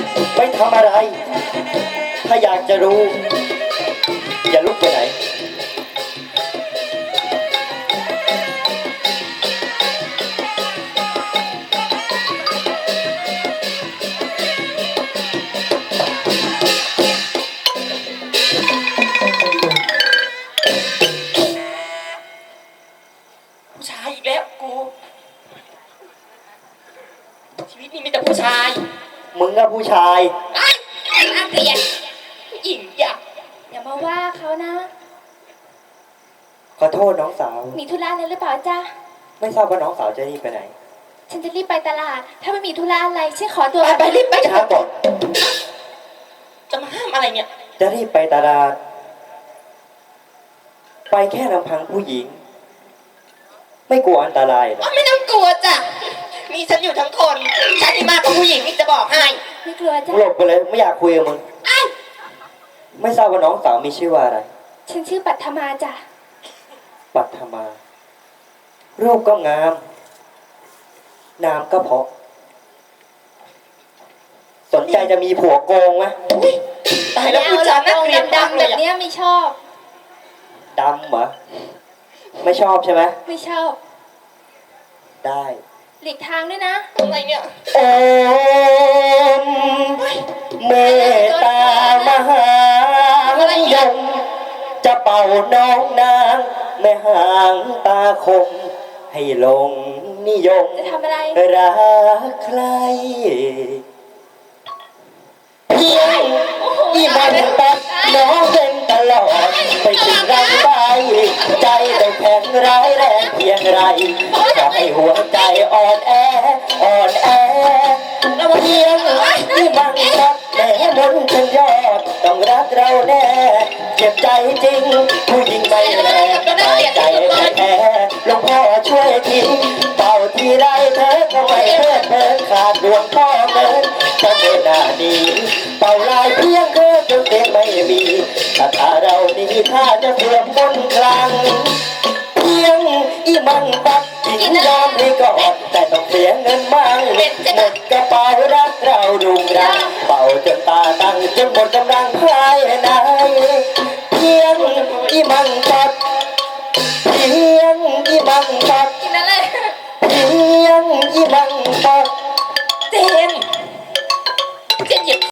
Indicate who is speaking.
Speaker 1: ไม่ทำอะไร ถ้าอยากจะรู้ อย่าลุกไปไหน
Speaker 2: ผู้ชายอีกแล้วกูชีวิตนี้มีแต่ผู้ชาย
Speaker 1: มึงอะผู้ชาย
Speaker 2: ไอ้น่าเกลียดผู้หญิงอยาก
Speaker 3: อย่ามาว่าเขานะ
Speaker 1: ขอโทษน้องสาว
Speaker 3: มีธุระอะไรหรือเปล่าจ๊ะ
Speaker 1: ไม่ทราบว่าน้องสาวจะรีบไปไหน
Speaker 3: ฉันจะรีบไปตลาด ถ้าไม่มีธุระอะไรฉันขอตัว
Speaker 2: ไปรีบไป
Speaker 1: ช้าก่อน
Speaker 2: จะมาห้ามอะไรเนี่ย
Speaker 1: จะรีบไปตลาด ไปแค่ลำพังผู้หญิง ไม่กลัวอันตรายเหรอ
Speaker 2: ไม่ต้องกลัวจ้ะมีฉันอยู่ทั้งคนฉันที่มากกว่าผู้หญิงนี่จะบอกให้
Speaker 3: ไม่กลัวจ้ะ
Speaker 1: มึงหลบไปเลยไม่อยากคุยกับมึง
Speaker 2: อ้าว
Speaker 1: ไม่ทราบว่าน้องสาวมีชื่อว่าอะไร
Speaker 3: ฉันชื่อปัทมาจ้ะ
Speaker 1: ปัทมา รูปก็งาม นามก็เพราะ สนใจจะมีผัวโกงไหม
Speaker 2: ตาย
Speaker 3: ไม่
Speaker 2: แล้ว
Speaker 3: เอา
Speaker 2: ผู้
Speaker 3: หร
Speaker 2: ชา
Speaker 3: อย ก
Speaker 2: น่าเกลียดมาก
Speaker 3: ดำๆ
Speaker 2: เล
Speaker 3: แบ
Speaker 2: ย
Speaker 3: บ
Speaker 2: อะ
Speaker 3: เนี้ยไม่ชอบ
Speaker 1: ดำเหรอ ไม่ชอบใช่ไหม
Speaker 3: ไม่ชอบ
Speaker 1: ได้
Speaker 3: หลีกทางด้วยนะ
Speaker 2: อะไรเนี่ย
Speaker 1: โอมเมตตามหายมจะเป่าน้องนางแม่หางตาคม ให้หลงนิยม
Speaker 3: จะทำอะไร
Speaker 1: รักใครเพียงที่มันตัดน้องเป็นตลอดไปถึงรังใบใจได้แข็งร้ายแรงเพียงไรจะให้หัวใจอ่อนแออ่อนแอเพียงที่มันตัดแม่มนต์ฉันยอดต้องรักเราแน่เจ็บใจจริงผู้หญิงไม่แลใจแท้หลวงพ่อช่วยทีเป่าทีไรเธอก็ไม่เพื่อนเพิ่นขาดดวงพ่อเงินก็ไม่น่าดีเป่าลายเพียงเธอจนเต็มไม่มีถ้าเราดีถ้าจะเสื่อมมนต์คลังเพียงอีมันปักหญิงยอมให้ก่อนแต่ต้องเสียเงินมั่งหมดกระเป๋ารักเราดุงรังเป่าจนตาตั้งจนหมดกำลังภายใน